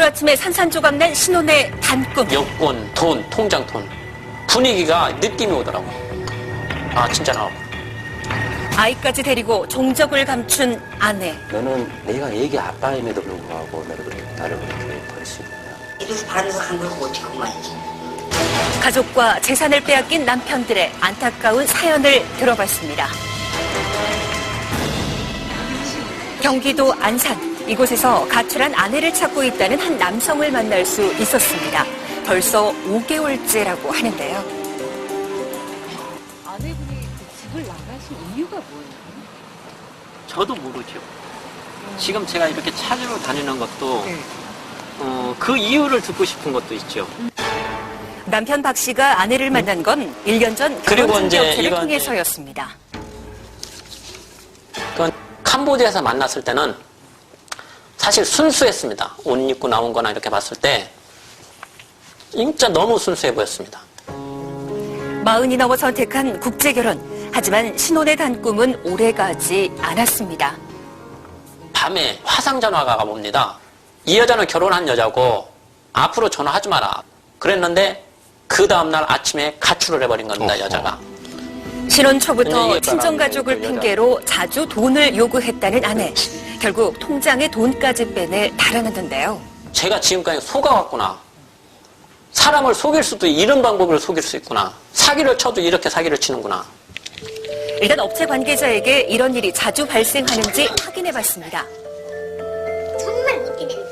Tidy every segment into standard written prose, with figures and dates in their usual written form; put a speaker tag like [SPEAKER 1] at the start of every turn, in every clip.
[SPEAKER 1] 하루아침에 산산조각 난 신혼의 단꿈.
[SPEAKER 2] 여권, 돈, 통장 돈. 분위기가 느낌이 오더라고. 아, 진짜 나오고.
[SPEAKER 1] 아이까지 데리고 종적을 감춘 아내.
[SPEAKER 3] 너는 내가 애기 아빠임에도 불구하고 나를 그렇게 버릴 수 있느냐.
[SPEAKER 4] 이래서 바람에서 간 걸 어떻게 말이지.
[SPEAKER 1] 가족과 재산을 빼앗긴 남편들의 안타까운 사연을 들어봤습니다. 경기도 안산. 이곳에서 가출한 아내를 찾고 있다는 한 남성을 만날 수 있었습니다. 벌써 5개월째라고 하는데요.
[SPEAKER 5] 아내분이 집을 나가신 이유가 뭐예요?
[SPEAKER 2] 저도 모르죠. 지금 제가 이렇게 찾으러 다니는 것도 그 이유를 듣고 싶은 것도 있죠.
[SPEAKER 1] 남편 박 씨가 아내를 만난 건 1년 전
[SPEAKER 2] 그리고
[SPEAKER 1] 결혼
[SPEAKER 2] 이제
[SPEAKER 1] 중개업체를
[SPEAKER 2] 이건
[SPEAKER 1] 통해서였습니다.
[SPEAKER 2] 그건 캄보디아에서 만났을 때는 사실 순수했습니다. 옷 입고 나온 거나 이렇게 봤을 때 진짜 너무 순수해 보였습니다.
[SPEAKER 1] 40이 넘어 선택한 국제결혼. 하지만 신혼의 단꿈은 오래가지 않았습니다.
[SPEAKER 2] 밤에 화상 전화가 옵니다. 이 여자는 결혼한 여자고 앞으로 전화하지 마라. 그랬는데 그 다음날 아침에 가출을 해버린 겁니다. 여자가.
[SPEAKER 1] 신혼 초부터 친정가족을 핑계로 자주 돈을 요구했다는 아내. 결국 통장에 돈까지 빼내 달아났는데요.
[SPEAKER 2] 제가 지금까지 속아왔구나. 사람을 속일 수도 이런 방법으로 속일 수 있구나. 사기를 쳐도 이렇게 사기를 치는구나.
[SPEAKER 1] 일단 업체 관계자에게 이런 일이 자주 발생하는지 확인해봤습니다.
[SPEAKER 6] 정말 못되는 그런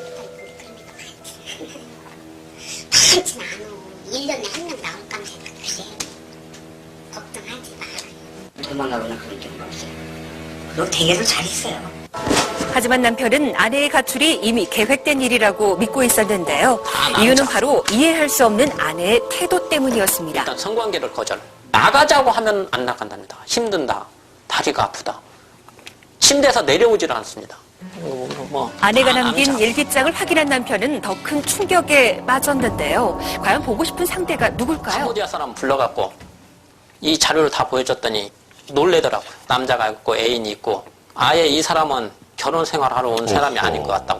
[SPEAKER 6] 게 많지 않아. 1년에 한 명 나올 까 생각해. 걱정하지 마.
[SPEAKER 4] 도망가거나 그런 경우가 없어요. 그리고 댁에서 잘 있어요.
[SPEAKER 1] 하지만 남편은 아내의 가출이 이미 계획된 일이라고 믿고 있었는데요. 이유는 바로 이해할 수 없는 아내의 태도 때문이었습니다.
[SPEAKER 2] 일단 성관계를 거절. 나가자고 하면 안 나간답니다. 힘든다. 다리가 아프다. 침대에서 내려오질 않습니다.
[SPEAKER 1] 아내가 남긴 일기장을 확인한 남편은 더 큰 충격에 빠졌는데요. 과연 보고 싶은 상대가 누굴까요?
[SPEAKER 2] 캄보디아 사람 불러갖고 이 자료를 다 보여줬더니 놀래더라고요. 남자가 있고 애인이 있고 아예 이 사람은 결혼 생활하러 온 사람이 아닐 것 같다고.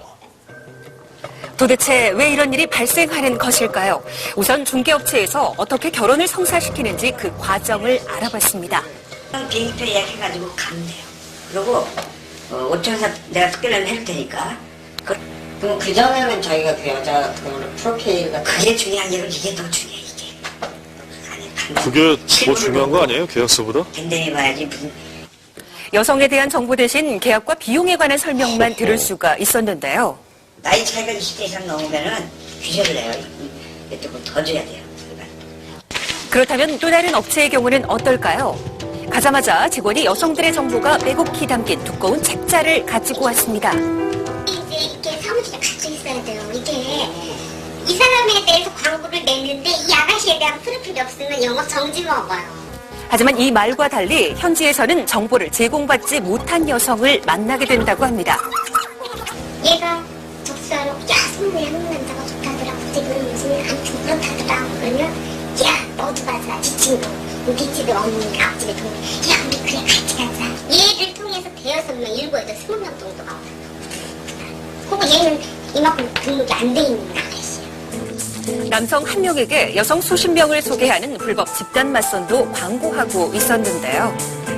[SPEAKER 1] 도대체 왜 이런 일이 발생하는 것일까요? 우선 중개업체에서 어떻게 결혼을 성사시키는지 그 과정을 알아봤습니다.
[SPEAKER 4] 비행기표 예약해가지고 가면 돼요. 그리고 5천원 내가 특별히 해줄 테니까.
[SPEAKER 5] 그럼 그 전에는 자기가 그 여자 같은 경우는 프로필과
[SPEAKER 4] 그게 중요한 게 이게 더 중요해 이게.
[SPEAKER 7] 그게 더 중요한 거 아니에요? 계약서보다?
[SPEAKER 4] 밴댕해봐야지 무슨.
[SPEAKER 1] 여성에 대한 정보 대신 계약과 비용에 관한 설명만 들을 수가 있었는데요.
[SPEAKER 4] 나이 차이가 20대 이상 넘으면은 규제를 해요. 조금 더 줘야 돼요.
[SPEAKER 1] 그렇다면 또 다른 업체의 경우는 어떨까요? 가자마자 직원이 여성들의 정보가 빼곡히 담긴 두꺼운 책자를 가지고 왔습니다.
[SPEAKER 6] 이제 이렇게 사무실에 같이 있어야 돼요. 이게 이 사람에 대해서 광고를 냈는데 이 아가씨에 대한 프로필이 없으면 영업 정지 먹어요.
[SPEAKER 1] 하지만 이 말과 달리 현지에서는 정보를 제공받지 못한 여성을 만나게 된다고 합니다.
[SPEAKER 6] 얘가 접수하러 야 손에 한국 남자가 좋다더라. 지금 무슨 아무튼 그렇다더라. 그러면 야 너도 가자. 지 친구. 우리 집에 어머니 앞집에 동네. 야 우리 그래 같이 가자. 얘를 통해서 5명, 7에도 20명 정도가 와요. 혹은 얘는 이만큼 등록이 안 돼 있는 아가씨예요.
[SPEAKER 1] 남성 한 명에게 여성 수십 명을 소개하는 불법 집단 맞선도 광고하고 있었는데요.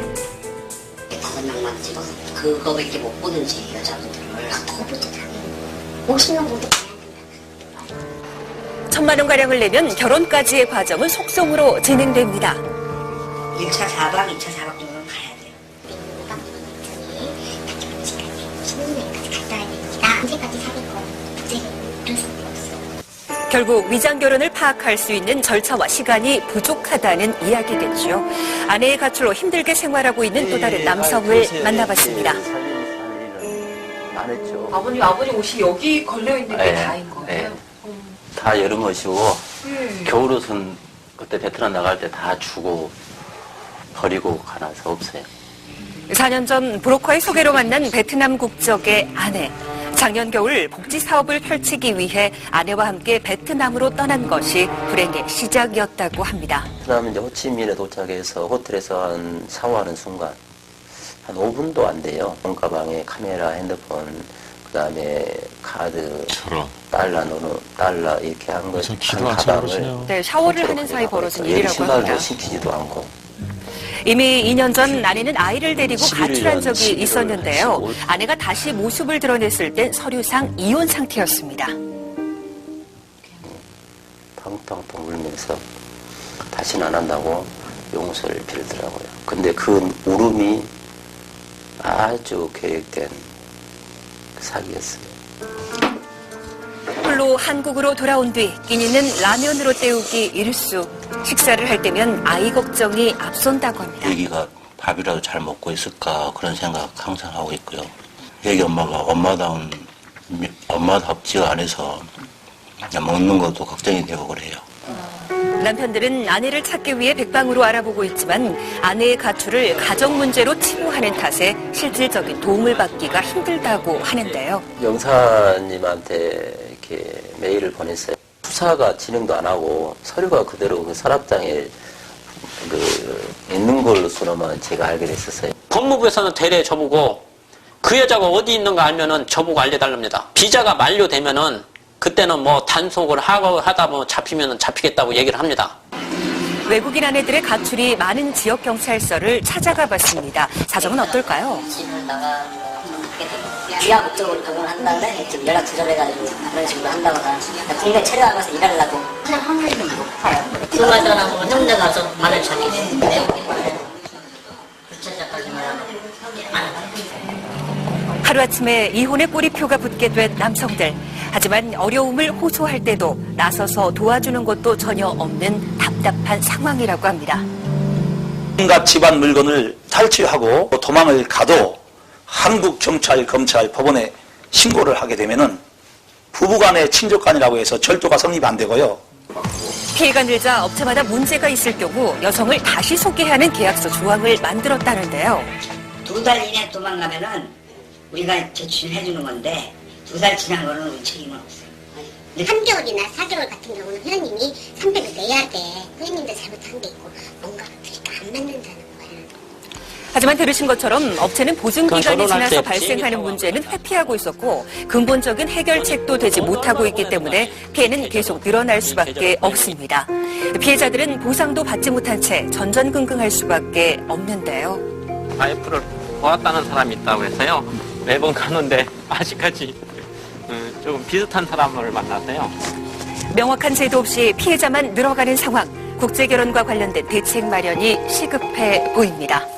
[SPEAKER 4] 거짓말만 찍어서 그거밖에 못 보는지 여자분들을.
[SPEAKER 6] 더 보도다. 50명 모두 가야 된다.
[SPEAKER 1] 1,000만 원가량을 내면 결혼까지의 과정은 속성으로 진행됩니다.
[SPEAKER 4] 1차 4박, 2차 4박 정도는 가야 돼요.
[SPEAKER 6] 신혼여행까지 갔다 와야 되니까 언제까지 사귈 거야. 부재를 이럴 수밖에 없어.
[SPEAKER 1] 결국 위장 결혼을 파악할 수 있는 절차와 시간이 부족하다는 이야기겠죠. 아내의 가출로 힘들게 생활하고 있는 또 다른 남성을 만나봤습니다.
[SPEAKER 3] 안 했죠.
[SPEAKER 5] 아버님 옷이 여기 걸려있는 게
[SPEAKER 3] 네,
[SPEAKER 5] 다인 거예요?
[SPEAKER 3] 네. 다 여름 옷이고 겨울옷은 그때 베트남 나갈 때 다 주고 버리고 가나서 없어요.
[SPEAKER 1] 4년 전 브로커의 소개로 만난 베트남 국적의 아내. 작년 겨울 복지 사업을 펼치기 위해 아내와 함께 베트남으로 떠난 것이 불행의 시작이었다고 합니다.
[SPEAKER 3] 그다음에 이제 호치민에 도착해서 호텔에서 샤워하는 순간 한 5분도 안 돼요. 몸가방에 카메라, 핸드폰, 그다음에 카드,
[SPEAKER 7] 저런.
[SPEAKER 3] 달러 이렇게 한 것,
[SPEAKER 7] 무슨 기도
[SPEAKER 3] 한
[SPEAKER 7] 안 차려
[SPEAKER 3] 가방을
[SPEAKER 7] 그러시네요.
[SPEAKER 1] 네, 샤워를 하는 사이 벌어진 일이라고
[SPEAKER 3] 신발도
[SPEAKER 1] 합니다.
[SPEAKER 3] 신기지도 않고.
[SPEAKER 1] 이미 2년 전 아내는 아이를 데리고
[SPEAKER 3] 11년,
[SPEAKER 1] 가출한 적이
[SPEAKER 3] 11월
[SPEAKER 1] 있었는데요.
[SPEAKER 3] 15일.
[SPEAKER 1] 아내가 다시 모습을 드러냈을 땐 서류상 이혼 상태였습니다.
[SPEAKER 3] 펑펑펑 울면서 다시는 안 한다고 용서를 빌더라고요. 근데 그 울음이 아주 계획된 사기였어요.
[SPEAKER 1] 홀로 한국으로 돌아온 뒤 끼니는 라면으로 때우기 일수. 식사를 할 때면 아이 걱정이 앞선다고 합니다.
[SPEAKER 3] 애기가 밥이라도 잘 먹고 있을까 그런 생각 항상 하고 있고요. 애기 엄마가 엄마답지가 않아서 그냥 먹는 것도 걱정이 되고 그래요.
[SPEAKER 1] 남편들은 아내를 찾기 위해 백방으로 알아보고 있지만 아내의 가출을 가정 문제로 치부하는 탓에 실질적인 도움을 받기가 힘들다고 하는데요.
[SPEAKER 3] 영사님한테 이렇게 메일을 보냈어요. 수사가 진행도 안 하고 서류가 그대로 그 서랍장에 있는 걸로서만 제가 알게 됐었어요.
[SPEAKER 2] 법무부에서는 대래 저보고 그 여자가 어디 있는가 알면은 저보고 알려달랍니다. 비자가 만료되면은 그때는 뭐 단속을 하다 보면 잡히면은 잡히겠다고 얘기를 합니다.
[SPEAKER 1] 외국인 아내들의 가출이 많은 지역 경찰서를 찾아가 봤습니다. 사정은 어떨까요?
[SPEAKER 5] 집을 나가게 되고 귀화 목적으로 방문을 한 다음에 지금 연락 두절해가지고 그런 식으로 한다거나 국내 체류하면서 일하려고 그냥 확률이 좀 높아요. 그 말들은 뭐 혼자 가서 말을 자기 내용이 구체적까지 말하면 안 해요.
[SPEAKER 1] 하루아침에 이혼의 꼬리표가 붙게 된 남성들. 하지만 어려움을 호소할 때도 나서서 도와주는 것도 전혀 없는 답답한 상황이라고 합니다.
[SPEAKER 8] 온갖 집안 물건을 탈취하고 도망을 가도 한국 경찰, 검찰, 법원에 신고를 하게 되면은 부부간의 친족간이라고 해서 절도가 성립이 안 되고요.
[SPEAKER 1] 피해가 늘자 업체마다 문제가 있을 경우 여성을 다시 소개하는 계약서 조항을 만들었다는데요.
[SPEAKER 4] 2달 이내 도망가면은 우리가 제출해주는 건데 2달 지난 거는 우리 책임은 없어요.
[SPEAKER 6] 3개월이나 4개월 같은 경우는 회원님이 300을 내야 돼. 회원님도 잘못한 게 있고 뭔가가 그러니까 안 맞는다는 거야.
[SPEAKER 1] 하지만 들으신 것처럼 업체는 보증기간이
[SPEAKER 2] 결혼할
[SPEAKER 1] 지나서
[SPEAKER 2] 때
[SPEAKER 1] 발생하는
[SPEAKER 2] 비행기
[SPEAKER 1] 문제는 회피하고 있었고 근본적인 해결책도 되지 못하고 있기 때문에 피해는 계속 늘어날 수밖에 없습니다. 피해자들은 보상도 받지 못한 채 전전긍긍할 수밖에 없는데요.
[SPEAKER 2] 와이프를 보았다는 사람이 있다고 해서요. 매번 가는데 아직까지 조금 비슷한 사람을 만났어요.
[SPEAKER 1] 명확한 제도 없이 피해자만 늘어가는 상황. 국제결혼과 관련된 대책 마련이 시급해 보입니다.